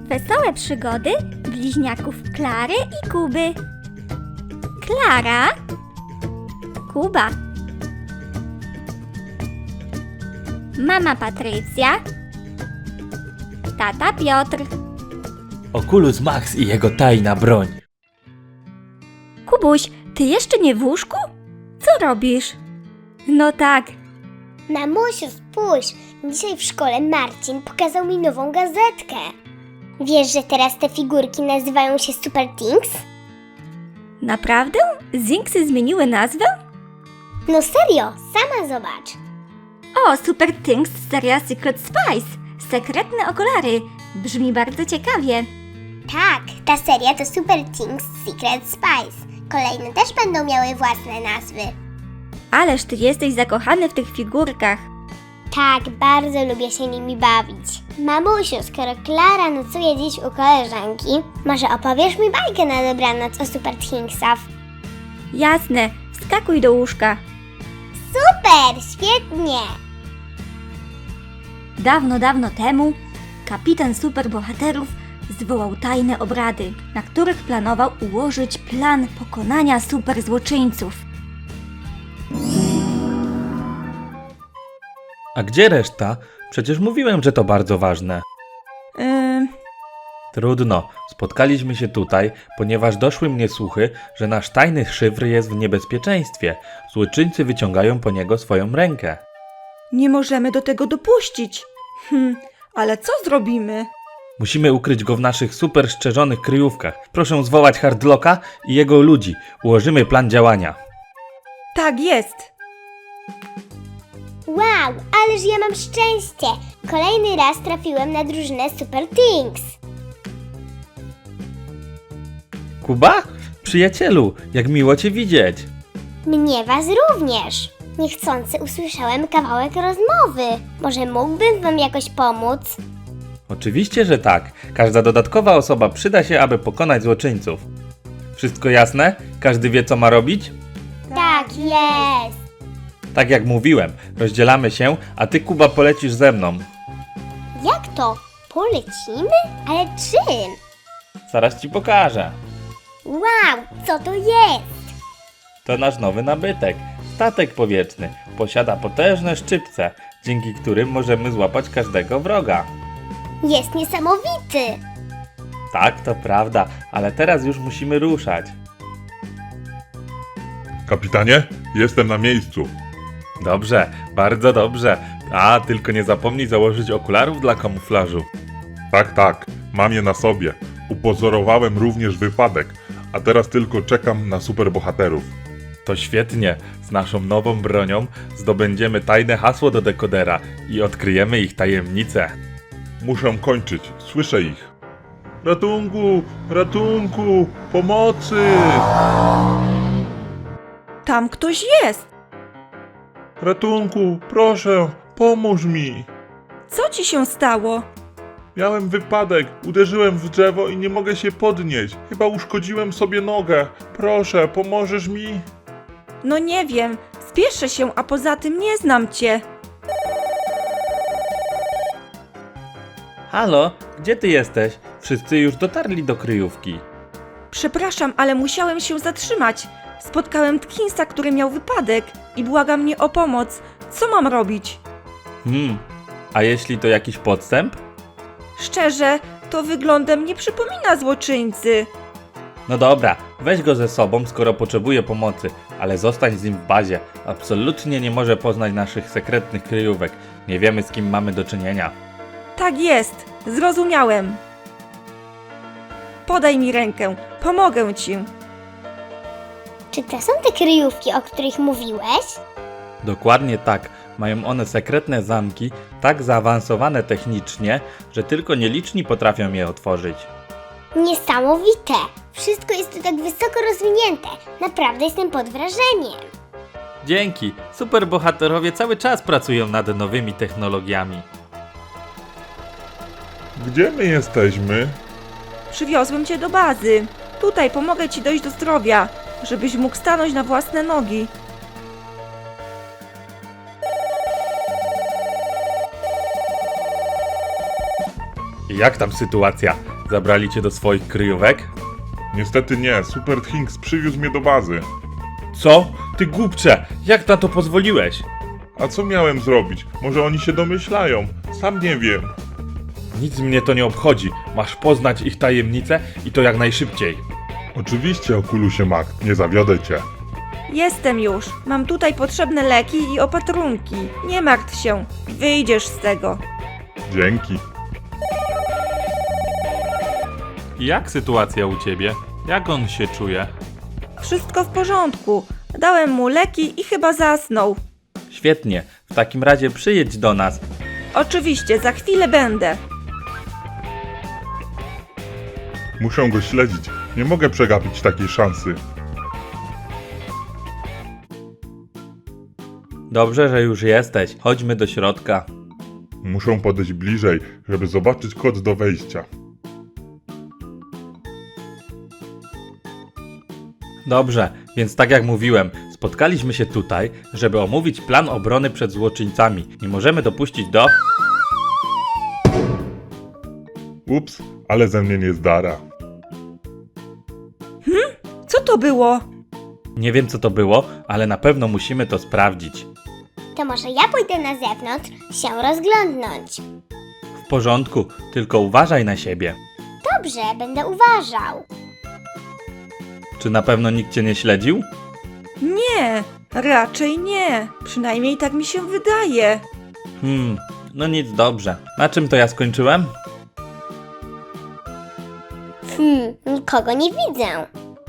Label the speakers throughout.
Speaker 1: Wesołe przygody bliźniaków Klary i Kuby. Klara, Kuba, mama Patrycja, tata Piotr.
Speaker 2: Oculus Max i jego tajna broń.
Speaker 1: Kubuś, ty jeszcze nie w łóżku? Co robisz? No tak,
Speaker 3: Mamusiu, spójrz! Dzisiaj w szkole Marcin pokazał mi nową gazetkę. Wiesz, że teraz te figurki nazywają się Super Things?
Speaker 1: naprawdę? Zinksy zmieniły nazwę?
Speaker 3: No serio, sama zobacz.
Speaker 1: O, Super Things seria Secret Spice. Sekretne okulary. Brzmi bardzo ciekawie.
Speaker 3: Tak, ta seria to Super Things Secret Spice. Kolejne też będą miały własne nazwy.
Speaker 1: Ależ ty jesteś zakochany w tych figurkach.
Speaker 3: Tak, bardzo lubię się nimi bawić. Mamusiu, skoro Klara nocuje dziś u koleżanki, może opowiesz mi bajkę na dobranoc o Super Thingsach?
Speaker 1: Jasne, wskakuj do łóżka.
Speaker 3: Super, świetnie!
Speaker 1: Dawno, dawno temu kapitan superbohaterów zwołał tajne obrady, na których planował ułożyć plan pokonania superzłoczyńców.
Speaker 2: A gdzie reszta? Przecież mówiłem, że to bardzo ważne. Trudno, spotkaliśmy się tutaj, ponieważ doszły mnie słuchy, że nasz tajny szyfr jest w niebezpieczeństwie. Złoczyńcy wyciągają po niego swoją rękę.
Speaker 4: Nie możemy do tego dopuścić. Ale co zrobimy?
Speaker 2: Musimy ukryć go w naszych super szczerzonych kryjówkach. Proszę zwołać Hardlocka i jego ludzi. Ułożymy plan działania.
Speaker 4: Tak jest.
Speaker 3: Wow, ależ ja mam szczęście! Kolejny raz trafiłem na drużynę Super Things.
Speaker 2: Kuba? Przyjacielu, jak miło cię widzieć.
Speaker 3: Mnie was również. Niechcący usłyszałem kawałek rozmowy. Może mógłbym wam jakoś pomóc?
Speaker 2: Oczywiście, że tak. Każda dodatkowa osoba przyda się, aby pokonać złoczyńców. Wszystko jasne? Każdy wie, co ma robić?
Speaker 3: Tak jest.
Speaker 2: Tak jak mówiłem, rozdzielamy się, a ty, Kuba, polecisz ze mną.
Speaker 3: Jak to? Polecimy? Ale czym?
Speaker 2: Zaraz ci pokażę.
Speaker 3: Wow, co to jest?
Speaker 2: To nasz nowy nabytek. Statek powietrzny. Posiada potężne szczypce, dzięki którym możemy złapać każdego wroga.
Speaker 3: Jest niesamowity.
Speaker 2: Tak, to prawda, ale teraz już musimy ruszać.
Speaker 5: Kapitanie, jestem na miejscu.
Speaker 2: Dobrze, bardzo dobrze. A, tylko nie zapomnij założyć okularów dla kamuflażu.
Speaker 5: Tak, mam je na sobie. Upozorowałem również wypadek, a teraz tylko czekam na superbohaterów.
Speaker 2: To świetnie. Z naszą nową bronią zdobędziemy tajne hasło do dekodera i odkryjemy ich tajemnicę.
Speaker 5: Muszę kończyć, słyszę ich. Ratunku, ratunku, pomocy!
Speaker 4: Tam ktoś jest.
Speaker 5: Ratunku, proszę, pomóż mi.
Speaker 4: Co ci się stało?
Speaker 5: Miałem wypadek, uderzyłem w drzewo i nie mogę się podnieść. Chyba uszkodziłem sobie nogę. Proszę, pomożesz mi?
Speaker 4: No nie wiem. Spieszę się, a poza tym nie znam cię.
Speaker 2: Halo, gdzie ty jesteś? Wszyscy już dotarli do kryjówki.
Speaker 4: Przepraszam, ale musiałem się zatrzymać. Spotkałem Tkinsa, który miał wypadek i błaga mnie o pomoc. Co mam robić?
Speaker 2: A jeśli to jakiś podstęp?
Speaker 4: Szczerze, to wyglądem nie przypomina złoczyńcy.
Speaker 2: No dobra, weź go ze sobą, skoro potrzebuje pomocy, ale zostań z nim w bazie. Absolutnie nie może poznać naszych sekretnych kryjówek. Nie wiemy, z kim mamy do czynienia.
Speaker 4: Tak jest, zrozumiałem. Podaj mi rękę, pomogę ci.
Speaker 3: Czy to są te kryjówki, o których mówiłeś?
Speaker 2: Dokładnie tak. Mają one sekretne zamki, tak zaawansowane technicznie, że tylko nieliczni potrafią je otworzyć.
Speaker 3: Niesamowite! Wszystko jest tu tak wysoko rozwinięte. Naprawdę jestem pod wrażeniem.
Speaker 2: Dzięki! Superbohaterowie cały czas pracują nad nowymi technologiami.
Speaker 5: Gdzie my jesteśmy?
Speaker 4: Przywiozłem cię do bazy. Tutaj pomogę ci dojść do zdrowia, żebyś mógł stanąć na własne nogi.
Speaker 2: Jak tam sytuacja? Zabrali cię do swoich kryjówek?
Speaker 5: Niestety nie, Super Thinks przywiózł mnie do bazy.
Speaker 2: Co? Ty głupcze! Jak na to pozwoliłeś?
Speaker 5: A co miałem zrobić? Może oni się domyślają? Sam nie wiem.
Speaker 2: Nic mnie to nie obchodzi. Masz poznać ich tajemnicę i to jak najszybciej.
Speaker 5: Oczywiście, Okulusie Mac, nie zawiodę cię.
Speaker 4: Jestem już. Mam tutaj potrzebne leki i opatrunki. Nie martw się. Wyjdziesz z tego.
Speaker 5: Dzięki.
Speaker 2: Jak sytuacja u ciebie? Jak on się czuje?
Speaker 4: Wszystko w porządku. Dałem mu leki i chyba zasnął.
Speaker 2: Świetnie. W takim razie przyjedź do nas.
Speaker 4: Oczywiście, za chwilę będę.
Speaker 5: Muszę go śledzić. Nie mogę przegapić takiej szansy.
Speaker 2: Dobrze, że już jesteś. Chodźmy do środka.
Speaker 5: Muszę podejść bliżej, żeby zobaczyć kod do wejścia.
Speaker 2: Dobrze, więc tak jak mówiłem, spotkaliśmy się tutaj, żeby omówić plan obrony przed złoczyńcami. Nie możemy dopuścić do...
Speaker 5: Ups, ale ze mnie nie zdara.
Speaker 4: Co to było?
Speaker 2: Nie wiem co to było, ale na pewno musimy to sprawdzić.
Speaker 3: To może ja pójdę na zewnątrz się rozglądnąć.
Speaker 2: W porządku, tylko uważaj na siebie.
Speaker 3: Dobrze, będę uważał.
Speaker 2: Czy na pewno nikt cię nie śledził?
Speaker 4: Nie, raczej nie. Przynajmniej tak mi się wydaje.
Speaker 2: No nic, dobrze. Na czym to ja skończyłem?
Speaker 3: Nikogo nie widzę.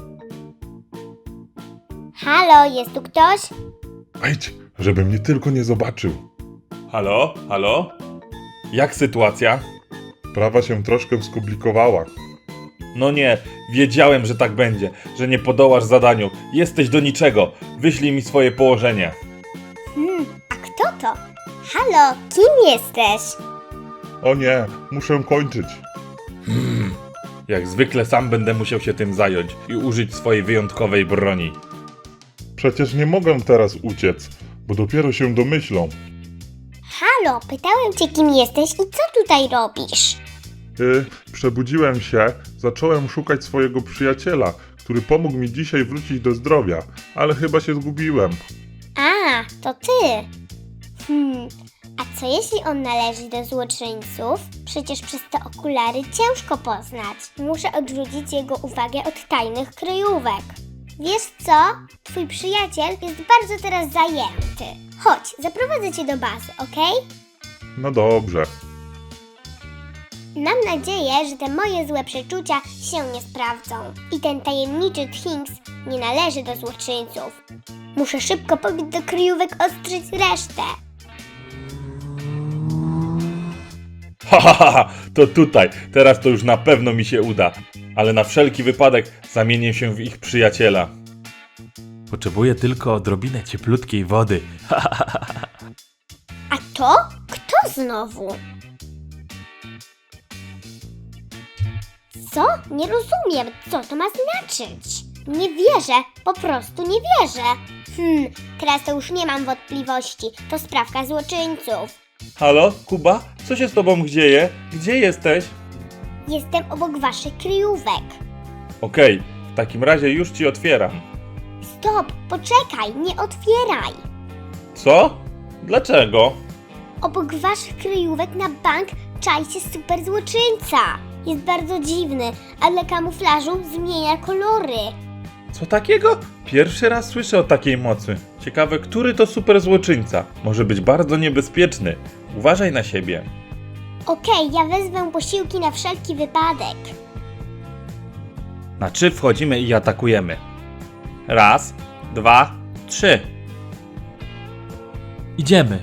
Speaker 3: Halo, jest tu ktoś?
Speaker 5: Wejdź, żeby mnie tylko nie zobaczył.
Speaker 2: Halo? Halo? Jak sytuacja?
Speaker 5: Sprawa się troszkę skomplikowała.
Speaker 2: No nie, wiedziałem, że tak będzie, że nie podołasz zadaniu. Jesteś do niczego. Wyślij mi swoje położenie.
Speaker 3: A kto to? Halo, kim jesteś?
Speaker 5: O nie, muszę kończyć.
Speaker 2: Jak zwykle sam będę musiał się tym zająć i użyć swojej wyjątkowej broni.
Speaker 5: Przecież nie mogę teraz uciec, bo dopiero się domyślą.
Speaker 3: Halo, pytałem cię, kim jesteś i co tutaj robisz?
Speaker 5: Przebudziłem się, zacząłem szukać swojego przyjaciela, który pomógł mi dzisiaj wrócić do zdrowia, ale chyba się zgubiłem.
Speaker 3: A, to ty. A co jeśli on należy do złoczyńców? Przecież przez te okulary ciężko poznać. Muszę odwrócić jego uwagę od tajnych kryjówek. Wiesz co? Twój przyjaciel jest bardzo teraz zajęty. Chodź, zaprowadzę cię do bazy, okej?
Speaker 5: No dobrze.
Speaker 3: Mam nadzieję, że te moje złe przeczucia się nie sprawdzą. I ten tajemniczy Thinks nie należy do złoczyńców. Muszę szybko pobiec do kryjówek ostrzyć resztę.
Speaker 2: Ha, to tutaj. Teraz to już na pewno mi się uda. Ale na wszelki wypadek zamienię się w ich przyjaciela. Potrzebuję tylko odrobinę cieplutkiej wody.
Speaker 3: A to? Kto znowu? Co? Nie rozumiem, co to ma znaczyć. Nie wierzę, po prostu nie wierzę. Teraz to już nie mam wątpliwości. To sprawka złoczyńców.
Speaker 2: Halo, Kuba? Co się z tobą dzieje? Gdzie jesteś?
Speaker 3: Jestem obok waszych kryjówek.
Speaker 2: Okej, w takim razie już ci otwieram.
Speaker 3: Stop, poczekaj, nie otwieraj.
Speaker 2: Co? Dlaczego?
Speaker 3: Obok waszych kryjówek na bank czai się super złoczyńca. Jest bardzo dziwny, a dla kamuflażu zmienia kolory.
Speaker 2: Co takiego? Pierwszy raz słyszę o takiej mocy. Ciekawe, który to super złoczyńca. Może być bardzo niebezpieczny. Uważaj na siebie.
Speaker 3: Okej, ja wezmę posiłki na wszelki wypadek.
Speaker 2: Na 3 wchodzimy i atakujemy. 1, 2, 3. Idziemy.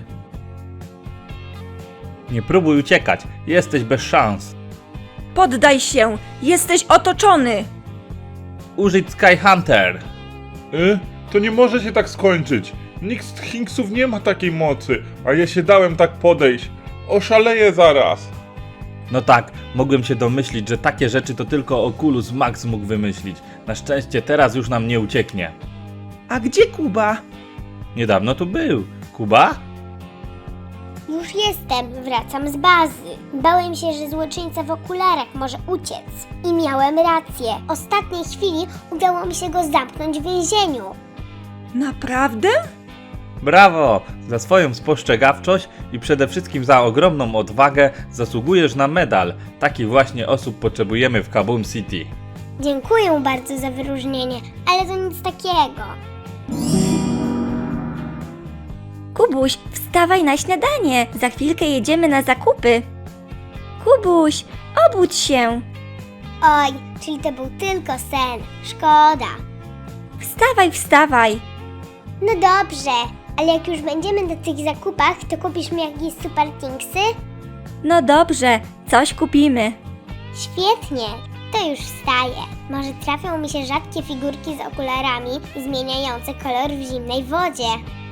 Speaker 2: Nie próbuj uciekać. Jesteś bez szans.
Speaker 4: Poddaj się! Jesteś otoczony!
Speaker 2: Użyć Sky Hunter.
Speaker 5: To nie może się tak skończyć. Nikt z Thinksów nie ma takiej mocy, a ja się dałem tak podejść. Oszaleję zaraz.
Speaker 2: No tak, mogłem się domyślić, że takie rzeczy to tylko Oculus Max mógł wymyślić. Na szczęście teraz już nam nie ucieknie.
Speaker 4: A gdzie Kuba?
Speaker 2: Niedawno tu był. Kuba?
Speaker 3: Już jestem, wracam z bazy. Bałem się, że złoczyńca w okularach może uciec. I miałem rację. W ostatniej chwili udało mi się go zamknąć w więzieniu.
Speaker 4: Naprawdę?
Speaker 2: Brawo! Za swoją spostrzegawczość i przede wszystkim za ogromną odwagę zasługujesz na medal. Takich właśnie osób potrzebujemy w Kaboom City.
Speaker 3: Dziękuję bardzo za wyróżnienie, ale to nic takiego.
Speaker 1: Kubuś, wstawaj na śniadanie. Za chwilkę jedziemy na zakupy. Kubuś, obudź się.
Speaker 3: Oj, czyli to był tylko sen. Szkoda.
Speaker 1: Wstawaj, wstawaj.
Speaker 3: No dobrze, ale jak już będziemy na tych zakupach, to kupisz mi jakieś super thingsy?
Speaker 1: No dobrze, coś kupimy.
Speaker 3: Świetnie, to już wstaję. Może trafią mi się rzadkie figurki z okularami zmieniające kolor w zimnej wodzie.